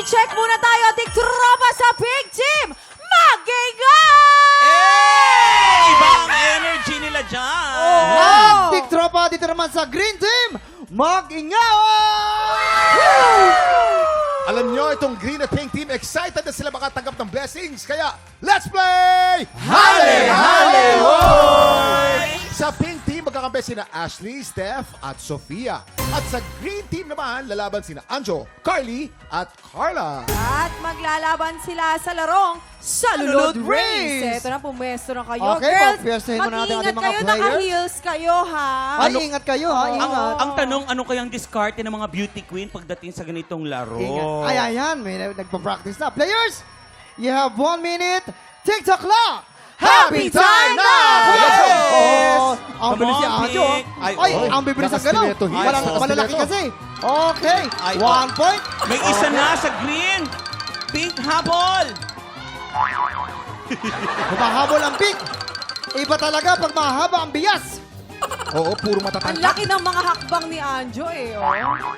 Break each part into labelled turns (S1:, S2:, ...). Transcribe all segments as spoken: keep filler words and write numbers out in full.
S1: check muna tayo, tiktropa sa Pink Team! Mag-ingay!
S2: Hey! Ibang energy nila dyan.
S1: Oh.
S3: Big tropa dito naman sa Green Team, mag-ingaw!
S4: Alam nyo, itong Green at Pink Team, excited na sila makatanggap ng blessings. Kaya, let's play! Hale! Hale! Hoy! Sa Pink Team, magkakampi sina Ashley, Steph, at Sofia. At sa Green Team naman, lalaban sina Anjo, Carly, at Carla.
S1: At maglalaban sila sa larong Salulod
S3: Salulod
S1: Race.
S3: Race.
S1: Ito na, pumwesto na kayo.
S3: Okay,
S1: Girls,
S3: pagpwestohin muna natin
S1: mag-ingat
S3: ating mga
S1: kayo,
S3: players.
S1: naka-heels kayo, ha?
S3: Ay, ingat kayo ha,
S2: Ang,
S3: ingat.
S2: ang tanong, ano kayang diskarte ng mga beauty queen pagdating sa ganitong laro?
S3: Ingat. Ay, ayan, may nagpa-practice na. Players, you have one minute. TikTok clock.
S4: Happy time now!
S3: Let's go! Oh, ang
S2: Come
S3: bilis si
S2: on,
S3: Anjo.
S2: Pick.
S3: Ay,
S2: Ay,
S4: oy,
S3: ang bibilis ang galaw.
S4: nakastileto,
S3: Wala,
S4: yes,
S3: malalaki
S4: nakastileto.
S3: kasi. Okay,
S2: Ay,
S3: one
S2: oh.
S3: point.
S2: May isa na sa green. Pink habol.
S3: Humahabol ang pink. Iba talaga pag mahaba ang bias.
S4: Oo, puro
S1: Ang
S4: matatangkad.
S1: laki ng mga hakbang ni Anjo, eh. Oh.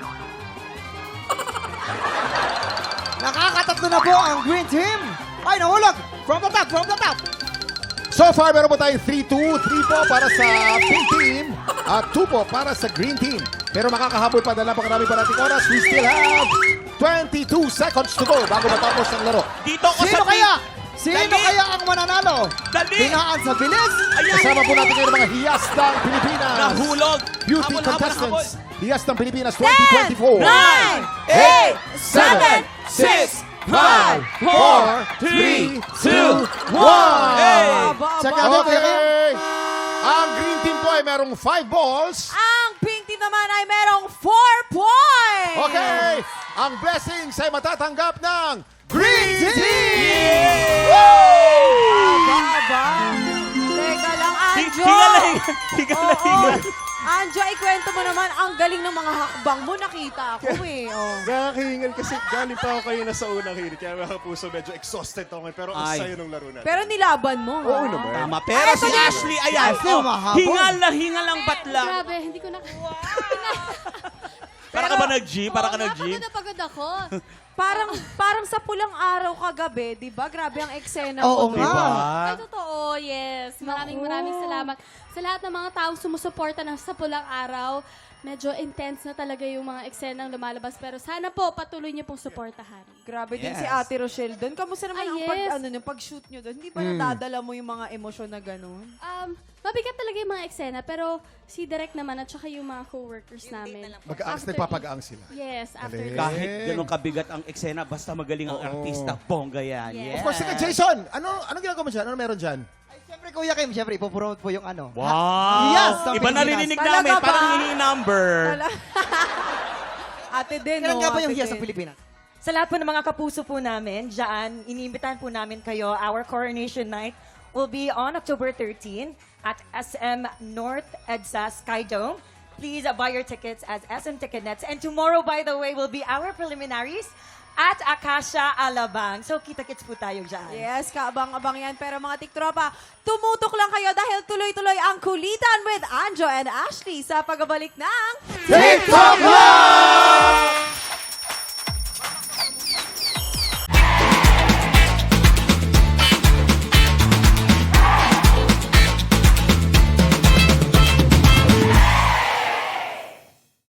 S3: Nakakatatlo na po ang green team. Ay, nahulog. From the top, from the top.
S4: So far, meron po tayong three two. three po para sa Pink Team at two po para sa Green Team. Pero makakahabol pa dahil napakarami pa nating oras. We still have twenty-two seconds to go bago matapos ang laro.
S2: Dito ko
S3: Sino
S2: sa
S3: kaya?
S2: pink.
S3: Sino
S2: Dali.
S3: kaya ang mananalo?
S2: Dali.
S3: Hingaan sa bilis.
S4: Kasama po natin ngayon ang mga hiyas ng Pilipinas.
S2: Nahulog.
S4: Beauty
S2: Habol, habol,
S4: contestants.
S2: habol.
S4: Hiyas ng Pilipinas twenty twenty-four.
S2: Nine, eight, seven, six, five, four, three, two, one. Hey!
S1: Aba, aba,
S3: Check
S1: aba.
S3: out, check out.
S4: Okay. Ang Green Team po ay merong five balls.
S1: Ang Pink Team naman ay merong four points!
S4: Okay. Ang blessings ay matatanggap ng Green Team!
S1: Aba, aba. Teka lang, Anjo.
S2: Higaling. Higaling.
S1: Oo. Anjo, ikwento mo naman, ang galing ng mga hakbang mo. Nakita ako eh. Oh.
S5: Nakakahingal kasi galing pa ako kayo na sa unang hirit. Kaya mga puso, medyo exhausted ako ngayon. Pero ang
S2: Ay.
S5: sayo ng laro natin.
S1: Pero nilaban mo.
S5: Oo
S1: ha?
S5: naman.
S2: Tama. Pero si Ashley, ayan.
S3: Ashley,
S2: Oh,
S3: mahabol.
S2: hingal na hingal ang batla.
S6: Grabe, hindi ko na...
S2: Para ka ba nag-G? Para ka
S6: Oo nga,
S2: nag-G?
S6: pagod na pagod ako.
S1: Parang parang sa pulang araw kagabi, 'di ba? Grabe ang eksena
S3: Oo
S1: mo.
S3: nga.
S1: doon.
S6: Ay, totoo, yes. Maraming
S1: Naku.
S6: maraming salamat. Sa lahat ng mga taong sumusuporta ng sa pulang araw, medyo intense na talaga yung mga eksenang lumalabas. Pero sana po, patuloy niyo pong suportahan.
S1: Grabe din
S2: Yes.
S1: si Ate Rochelle doon. Kamusta naman
S6: Ay,
S1: ang pag
S6: yes.
S1: ano yung pag-shoot niyo doon? Hindi ba nadadala mo yung mga emosyon na gano'n?
S6: Um, mabigat talaga yung mga eksena, pero si Direk naman at saka yung mga co-workers namin.
S4: Mag-aangs,
S6: After-
S4: nagpapag-aang sila.
S6: Yes, after
S4: Galing.
S6: that.
S2: Kahit ganun kabigat ang eksena, basta magaling ang
S4: Oo.
S2: artista, bongga yan.
S6: Yes.
S4: Of course, sige, Jason, ano ano ginagawa mo dyan? Ano meron dyan?
S3: Ay, siyempre, Kuya Kim, siyempre, ipopromote po yung ano.
S2: Wow!
S3: Yes, ang
S2: Iba
S3: Pilipinas.
S2: narinig
S1: Talaga
S2: namin,
S1: ba?
S2: parang hihingi number.
S1: Ate din,
S3: Kailan
S1: no?
S3: nga ba yung
S1: Ate
S3: hiya sa
S1: din.
S3: Pilipinas?
S7: Sa lahat po ng mga kapuso po namin, dyan, iniimbitahan po namin kayo. Our coronation night will be on October thirteenth at S M North EDSA Sky Dome. Please uh, buy your tickets as S M Ticketnets. And tomorrow, by the way, will be our preliminaries at Acacia Alabang. So, kita-kits po tayo dyan.
S1: Yes, kaabang-abang yan. Pero mga tiktropa, tumutok lang kayo dahil tuloy-tuloy ang kulitan with Anjo and Ashley sa pagbabalik ng
S4: TikTok